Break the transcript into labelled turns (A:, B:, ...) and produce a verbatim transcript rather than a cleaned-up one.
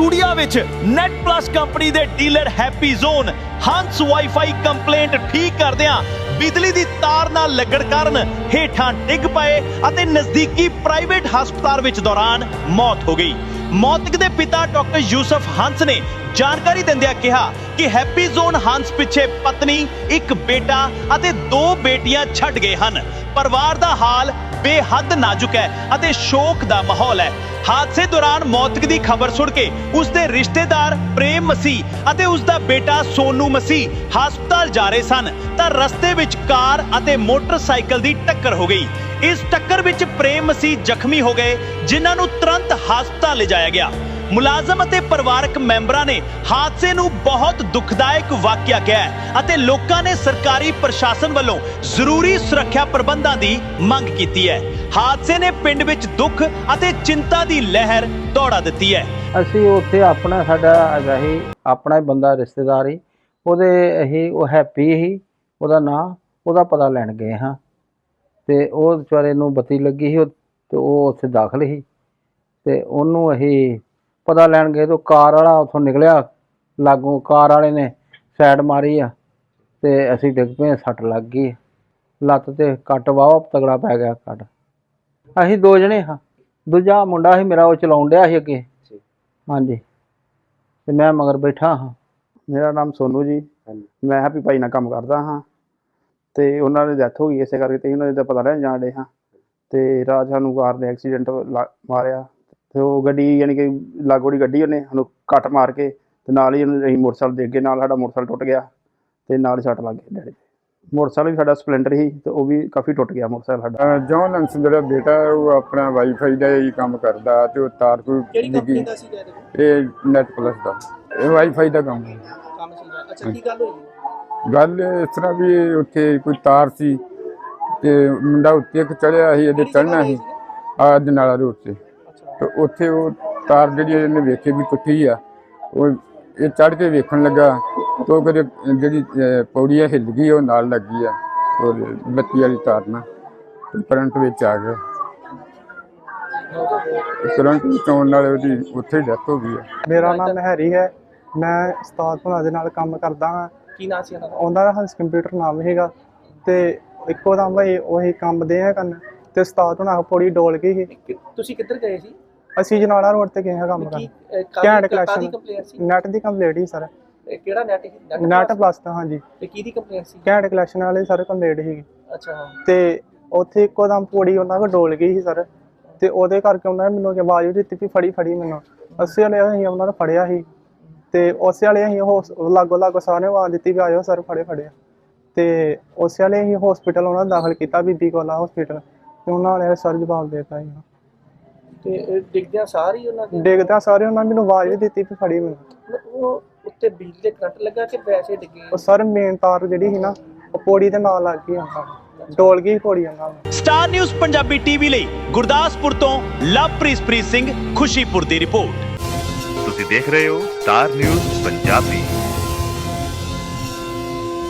A: Studio ਵਿੱਚ net plus company ਦੇ dealer happy zone ਹੰਸ ਵਾਈਫਾਈ ਕੰਪਲੇਂਟ ਠੀਕ ਕਰਦਿਆਂ ਬਿਜਲੀ ਦੀ ਤਾਰ ਨਾਲ ਲੱਗਣ ਕਾਰਨ ਹੇਠਾਂ ਡਿੱਗ ਪਏ ਅਤੇ ਨਜ਼ਦੀਕੀ ਪ੍ਰਾਈਵੇਟ ਹਸਪਤਾਲ ਵਿੱਚ ਦੌਰਾਨ ਮੌਤ ਹੋ ਗਈ। ਮੌਤਕ ਦੇ ਪਿਤਾ ਡਾਕਟਰ ਯੂਸਫ ਹੰਸ ਨੇ ਜਾਣਕਾਰੀ ਦਿੰਦਿਆਂ ਕਿਹਾ ਕਿ ਹੈਪੀ ਜ਼ੋਨ ਹੰਸ ਪਿੱਛੇ ਪਤਨੀ, ਇੱਕ ਬੇਟਾ ਅਤੇ ਦੋ ਬੇਟੀਆਂ ਛੱਡ ਗਏ ਹਨ। ਪਰਿਵਾਰ ਦਾ ਹਾਲ ਬੇਹੱਦ ਨਾਜ਼ੁਕ ਹੈ ਅਤੇ ਸ਼ੋਕ ਦਾ ਮਾਹੌਲ ਹੈ। ਹਾਦਸੇ ਦੌਰਾਨ ਮੌਤਕ ਦੀ ਖਬਰ ਸੁਣ ਕੇ ਉਸ ਦੇ ਰਿਸ਼ਤੇਦਾਰ ਪ੍ਰੇਮ ਮਸੀਹ ਅਤੇ ਉਸ ਦਾ ਬੇਟਾ ਸੋਨੂ ਮਸੀਹ ਹਸਪਤਾਲ ਜਾ ਰਹੇ ਸਨ ਤਾਂ ਰਸਤੇ ਵਿੱਚ ਕਾਰ ਅਤੇ ਮੋਟਰਸਾਈਕਲ ਦੀ ਟੱਕਰ ਹੋ ਗਈ। ਇਸ ਟੱਕਰ ਵਿੱਚ ਪ੍ਰੇਮ ਮਸੀਹ ਜ਼ਖਮੀ ਹੋ ਗਏ, ਜਿਨ੍ਹਾਂ ਨੂੰ ਤੁਰੰਤ ਹਸਪਤਾਲ ਲਿਜਾਇਆ ਗਿਆ। ਮੁਲਾਜ਼ਮ ਅਤੇ ਪਰਿਵਾਰਕ ਮੈਂਬਰਾਂ ਨੇ ਹਾਦਸੇ ਨੂੰ ਬਹੁਤ ਦੁਖਦਾਇਕ ਵਾਕਿਆ ਕਿਹਾ ਹੈ ਅਤੇ ਲੋਕਾਂ ਨੇ ਸਰਕਾਰੀ ਪ੍ਰਸ਼ਾਸਨ ਵੱਲੋਂ ਜ਼ਰੂਰੀ ਸੁਰੱਖਿਆ ਪ੍ਰਬੰਧਾਂ ਦੀ ਮੰਗ ਕੀਤੀ ਹੈ। ਹਾਦਸੇ ਨੇ ਪਿੰਡ ਵਿੱਚ ਦੁੱਖ ਅਤੇ ਚਿੰਤਾ ਦੀ ਲਹਿਰ ਦੌੜਾ ਦਿੱਤੀ ਹੈ।
B: ਅਸੀਂ ਉੱਥੇ ਆਪਣਾ ਸਾਡਾ ਹੈਗਾ ਹੀ ਆਪਣਾ ਹੀ ਬੰਦਾ ਰਿਸ਼ਤੇਦਾਰ ਹੀ ਉਹਦੇ ਅਸੀਂ ਉਹ ਹੈਪੀ ਹੀ ਉਹਦਾ ਨਾਂ, ਉਹਦਾ ਪਤਾ ਲੈਣ ਗਏ ਹਾਂ ਤੇ ਉਹ ਵਿਚਾਰੇ ਨੂੰ ਬੱਤੀ ਲੱਗੀ ਸੀ ਤੇ ਉਹ ਉੱਥੇ ਦਾਖਲ ਸੀ ਤੇ ਉਹਨੂੰ ਅਸੀਂ ਪਤਾ ਲੈਣ ਗਏ ਤਾਂ ਕਾਰ ਵਾਲਾ ਉੱਥੋਂ ਨਿਕਲਿਆ ਲਾਗੋਂ, ਕਾਰ ਵਾਲੇ ਨੇ ਸਾਈਡ ਮਾਰੀ ਆ ਤੇ ਅਸੀਂ ਡਿੱਗ ਪਏ, ਸੱਟ ਲੱਗ ਗਈ, ਲੱਤ ਤੇ ਕੱਟ ਵਾਹਵਾ ਤਗੜਾ ਪੈ ਗਿਆ ਕੱਟ। ਅਸੀਂ ਦੋ ਜਣੇ ਹਾਂ, ਦੂਜਾ ਮੁੰਡਾ ਸੀ ਮੇਰਾ ਉਹ ਚਲਾਉਣ ਡਿਆ ਸੀ ਅੱਗੇ, ਹਾਂਜੀ, ਤੇ ਮੈਂ ਮਗਰ ਬੈਠਾ ਹਾਂ।
C: ਮੇਰਾ ਨਾਮ ਸੋਨੂ ਜੀ, ਮੈਂ ਹੈਪੀ ਭਾਈ ਨਾਲ ਕੰਮ ਕਰਦਾ ਹਾਂ ਤੇ ਉਹਨਾਂ ਦੀ ਡੈਥ ਹੋ ਗਈ ਇਸੇ ਕਰਕੇ ਤੇ ਉਹਨਾਂ ਦਾ ਪਤਾ ਲੈਣ ਜਾਣ ਡੇ ਹਾਂ ਤੇ ਰਾਤ ਸਾਨੂੰ ਕਾਰ ਨੇ ਐਕਸੀਡੈਂਟ ਮਾਰਿਆ ਤੇ ਉਹ ਗੱਡੀ ਯਾਨੀ ਕਿ ਲਾਗੋਂ ਦੀ ਗੱਡੀ ਉਹਨੇ ਸਾਨੂੰ ਕੱਟ ਮਾਰ ਕੇ ਤੇ ਨਾਲ ਹੀ ਉਹਨੂੰ ਅਸੀਂ ਮੋਟਰਸਾਈਕਲ ਦੇ ਅੱਗੇ ਨਾਲ ਸਾਡਾ ਮੋਟਰਸਾਈਕਲ ਟੁੱਟ ਗਿਆ ਤੇ ਨਾਲ ਹੀ ਸੱਟ ਲੱਗ ਗਈ ਡੈਡੀ। ਮੋਟਰਸਾਈਕਲ ਵੀ ਸਾਡਾ ਸਪਲੈਂਡਰ ਸੀ ਤੇ ਉਹ ਵੀ ਕਾਫੀ ਟੁੱਟ ਗਿਆ ਮੋਟਰਸਾਈਕਲ ਸਾਡਾ।
D: ਜੌਨ ਹੰਸ ਜਿਹੜਾ ਬੇਟਾ ਉਹ ਆਪਣਾ ਵਾਈਫਾਈ ਦਾ ਹੀ ਕੰਮ ਕਰਦਾ ਤੇ ਉਹ ਤਾਰ ਕੋਈ
E: ਕਿਹੜੀ ਕੰਪਨੀ ਦਾ ਸੀ
D: ਇਹ ਨੈਟ ਪਲੱਸ ਦਾ, ਇਹ ਵਾਈਫਾਈ ਦਾ ਕੰਮ ਹੈ।
E: ਕੰਮ ਸੀਗਾ। ਅੱਛਾ, ਕੀ ਗੱਲ ਹੋਈ?
D: ਗੱਲ ਇਸ ਤਰ੍ਹਾਂ ਵੀ ਉੱਥੇ ਕੋਈ ਤਾਰ ਸੀ ਤੇ ਮੁੰਡਾ ਉੱਤੇ ਇੱਕ ਚੜਿਆ ਸੀ, ਇਹਦੇ ਚੜ੍ਹਨਾ ਸੀ ਆਹ ਜਨਾਲਾ ਰੋਡ ਤੇ ਤੇ ਉੱਥੇ ਉਹ ਤਾਰ ਜਿਹੜੀ ਇਹਨੇ ਵੇਖੀ ਵੀ ਟੁੱਟੀ ਆ, ਉਹ ਇਹ ਚੜ੍ਹ ਕੇ ਵੇਖਣ ਲੱਗਾ ਤਾਂ ਉਹ ਕਦੇ ਜਿਹੜੀ ਪੌੜੀ ਹਿੱਲ ਗਈ, ਉਹ ਨਾਲ ਲੱਗੀ ਆ ਉਹ ਬੱਤੀ ਵਾਲੀ ਤਾਰ ਨਾਲ ਕਰੰਟ ਵਿੱਚ ਆ ਗਿਆ। ਕਰੰਟ ਵਿੱਚ ਆਉਣ ਨਾਲ ਉਹਦੀ ਉੱਥੇ ਡੈਥ ਹੋ ਗਈ ਆ।
C: ਮੇਰਾ ਨਾਮ ਹੈਰੀ ਹੈ, ਮੈਂ ਉਸਤਾਦ ਭਲਾ ਦੇ ਨਾਲ ਕੰਮ ਕਰਦਾ ਹਾਂ।
E: ਕੀ ਨਾਂ ਸੀ ਉਹਨਾਂ ਦਾ?
C: ਉਹਨਾਂ ਦਾ ਹੰਸ ਕੰਪਿਊਟਰ ਨਾਮ ਹੈਗਾ ਤੇ ਇੱਕੋ ਦਮ ਭਾਈ ਉਹੀ ਕੰਮ ਦੇ ਆ ਕਰਨ ਤੇ ਉਸਤਾਦ ਹੁਣਾਂ ਪੌੜੀ ਡੋਲ ਗਈ ਸੀ।
E: ਕਿ- ਤੁਸੀਂ ਕਿੱਧਰ ਗਏ ਸੀ?
C: ਅਸੀਂ ਜਨਾਲਾ ਰੋਡ ਤੇ ਗਏ ਹਾਂ ਕੰਮ ਕਰਨ।
E: ਕੀ
C: ਘੈਂਟ
E: ਕਾਦੀ
C: ਕਲੈਕਸ਼ਨ
E: ਕੰਪਲੇਂਟ ਸੀ?
C: ਨੈਟ ਦੀ ਕੰਪਲੀਟ ਹੀ ਸਰ,
E: ਇਹ ਕਿਹੜਾ ਨੈਟ ਸੀ?
C: ਨੈਟ ਪਲੱਸ ਤਾਂ ਹਾਂਜੀ।
E: ਤੇ ਕਿਹਦੀ ਕੰਪਲੇਂਟ ਸੀ?
C: ਘੈਂਟ ਕਲੈਕਸ਼ਨ ਵਾਲੇ ਸਰ ਕੰਪਲੀਟ ਸੀਗੀ
E: ਅੱਛਾ,
C: ਤੇ ਉੱਥੇ ਇੱਕੋ ਦਮ ਪੌੜੀ ਉਹਨਾਂ ਕੋਲ ਡੋਲ ਗਈ ਸੀ ਸਰ ਤੇ ਉਹਦੇ ਕਰਕੇ ਉਹਨਾਂ ਨੇ ਮੈਨੂੰ ਕਿ ਆਵਾਜ਼ ਵੀ ਦਿੱਤੀ ਵੀ ਫੜੀ ਫੜੀ ਮੈਨੂੰ। ਅਸੀਂ ਵਾਲੇ ਅਸੀਂ ਉਹਨਾਂ ਨੂੰ ਫੜਿਆ ਸੀ ਤੇ ਉਸੇ ਵਾਲੇ ਅਸੀਂ ਉਹ ਲਾਗੋ ਲਾਗੋ ਸਾਰਿਆਂ ਨੂੰ ਆਵਾਜ਼ ਦਿੱਤੀ ਵੀ ਆਇਓ ਸਰ ਫੜੇ ਫੜਿਆ ਤੇ ਉਸੇ ਵਾਲੇ ਅਸੀਂ ਹਸਪੀਟਲ ਉਹਨਾਂ ਨੂੰ ਦਾਖਲ ਕੀਤਾ, ਬੀਬੀ ਕੋਲਾ ਹਸਪੀਟਲ, ਤੇ ਉਹਨਾਂ ਨੇ ਸਰ ਜਵਾਬ ਦੇ ਦਿੱਤਾ ਸੀ।
E: ਤੇ ਡਿੱਗਦਿਆਂ ਸਾਰੀ ਉਹਨਾਂ ਦੇ
C: ਡਿੱਗਦਿਆਂ ਸਾਰੇ ਉਹਨਾਂ ਨੇ ਮੈਨੂੰ ਆਵਾਜ਼ ਵੀ ਦਿੱਤੀ ਵੀ ਫੜੀ ਮੈਨੂੰ।
E: ਉਹ ਉੱਤੇ ਬਿਜਲੀ ਦੇ ਕਰੰਟ ਲੱਗਾ ਕਿ ਵੈਸੇ ਡਿੱਗੇ?
C: ਉਹ ਸਰ ਮੇਨ ਤਾਰ ਜਿਹੜੀ ਸੀ ਨਾ ਉਹ ਪੌੜੀ ਦੇ ਨਾਲ ਲੱਗ ਗਈ, ਉਹਨਾਂ ਨੂੰ ਡੋਲ ਗਈ ਪੌੜੀ ਉਹਨਾਂ ਨੂੰ।
A: ਸਟਾਰ ਨਿਊਜ਼ ਪੰਜਾਬੀ ਟੀਵੀ ਲਈ ਗੁਰਦਾਸਪੁਰ ਤੋਂ ਲਵਪ੍ਰੀਤ ਸਿੰਘ ਖੁਸ਼ੀਪੁਰ ਦੀ ਰਿਪੋਰਟ।
F: ਤੁਸੀਂ ਦੇਖ ਰਹੇ ਹੋ ਸਟਾਰ ਨਿਊਜ਼ ਪੰਜਾਬੀ।